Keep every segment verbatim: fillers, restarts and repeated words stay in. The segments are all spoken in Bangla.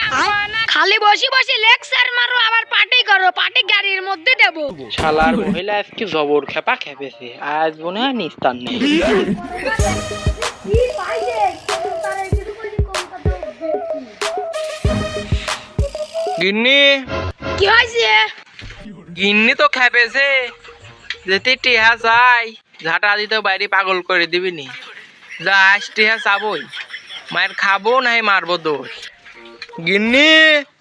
খালি বসে বসে লেকচার মারো আবার পার্টি করো, পার্টি গাড়ির মধ্যে দেব। শালার মহিলা আজকে জবর খেপা খেপেছে, আজ মনে হয় নিস্তার নেই। গিন্নি কি হয়েছে? গিন্নি তো খেপেছে, যেতে টিহা যাই ঝাঁটা দিতে বাইরে পাগল করে দিবি নি। যাস টিহা চাবই, মায়ের খাবো নাই মারবো দোষ। গিন্নি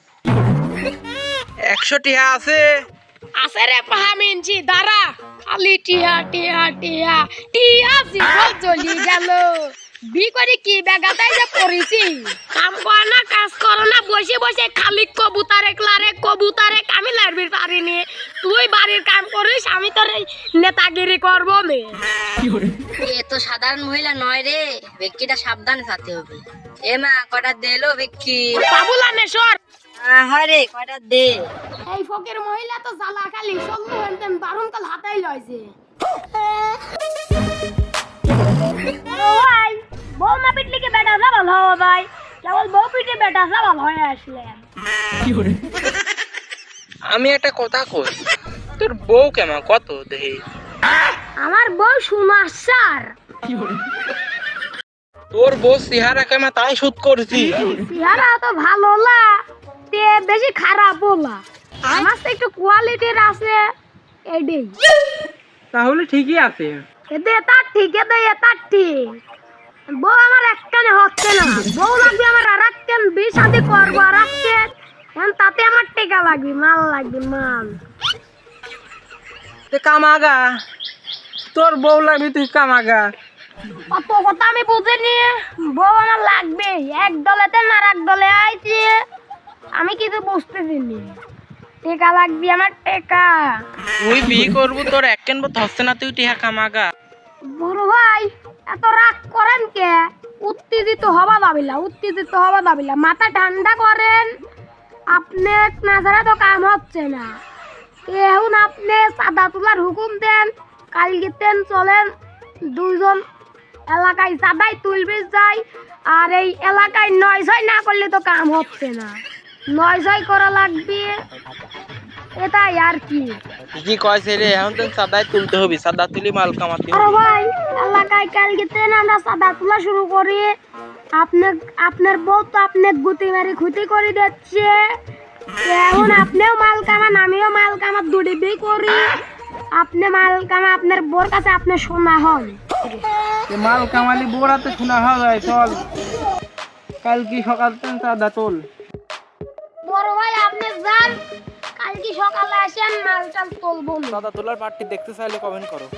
একশো টিহা আছে? আছে রে পাহামিনছি, দাঁড়া। খালি টিয়া টিয়া টিয়া টিয়া জীবন জ্বলি গেল। বি করে কি বেগাতাই যে পড়েছি। কাম কর না, কাজ করো না, বসে বসে খালি কবুতারে ক্লারে কবুতারে আমি লাড়বি পারিনি। তুই বাড়ির কাম করিস, আমি তোর এই নেতাগিরি করবো নে। এ তো সাধারণ মহিলা নয় রে, ব্যক্তিটা সাবধানে থাকতে হবে। এ মা কটা দেলো ব্যক্তি? বাবুলানে সর। হয় রে কটা দে। এই ফকের মহিলা তো জ্বালা খালি সল্লু হেনতেন বারুন কাল হাতাই লইছে। ও ভাই, বউ না পিটলে কি বেটা সাবাল হওয়া ভাই? কেবল বউ পিটে বেটা সাবাল হয়ে আসলেন। আমি একটা কথা কই, তোর বউ কেমন কত দেহে? আমার বউ সুমাসার। তোর বউ চেহারা কেমন তাই শুট করছি। চেহারা তো ভালো না, তে বেশি খারাপ না। আমার তো একটু কোয়ালিটির আছে এডি। তাহলে ঠিকই আছে। এতে তার ঠিক, এতে তার ঠিক। বউ আমার একখানে হচ্ছে না, বউ লাগবে আমার আর একখান, বিয়ে শাদী করবো আর একখান। এখন তাতে আমার টেকা লাগবে, মাল লাগবে, মাল। তে কামাগা, তোর বউ লাগবে তুই কামাগা। অত কথা আমি বুঝিনি, বউ আমার লাগবে। এক দলেতে না এক দলে আইছে, আমি কিছু বুঝতেছি নি। টেকা লাগবে আমার, টেকা। তুই বিয়ে করবো, তোর এক কেন হচ্ছে না, তুই টিহা কামাগা। বড় ভাই এত রাগ করেন কে? উত্তেজিত হবা দাবিলা, উত্তেজিত হবা দাবিলা, মাথা ঠান্ডা করেন। আপনি না ছাড়া তো কাম হচ্ছে না। এখন আপনি চাঁদা তোলার হুকুম দেন, কালকে তেন চলেন দুইজন এলাকায় চাঁদাই তুলবে যাই। আর এই এলাকায় নয় ছয় না করলে তো কাম হচ্ছে না, নয় ছয় করা লাগবে, এটাই আর কি। কি কয়েছে রে, এখন তো সাদাই তুলতে হবে, সাদা তুলি মাল কামাতে আরে ভাই, এলাকায় কালকে তেন আমরা চাঁদা তোলা শুরু করি। আপনার আপনার বউ তো আপনার গুতি মারি ক্ষতি করে দিচ্ছে। এখন আপনিও মাল কামান, আমিও মাল কামার দুটি বি করি। আপনি মাল কামা, আপনার বোর কাছে আপনি শোনা হন। মাল কামালি বোরাতে শোনা হয়। চল কালকে সকাল থেকে সাদা তোল। বড় ভাই আপনি যান, কালকে সকালে আসেন, মাল টাল তুলবো। সাদা তোলার পার্টি দেখতে চাইলে কমেন্ট করো।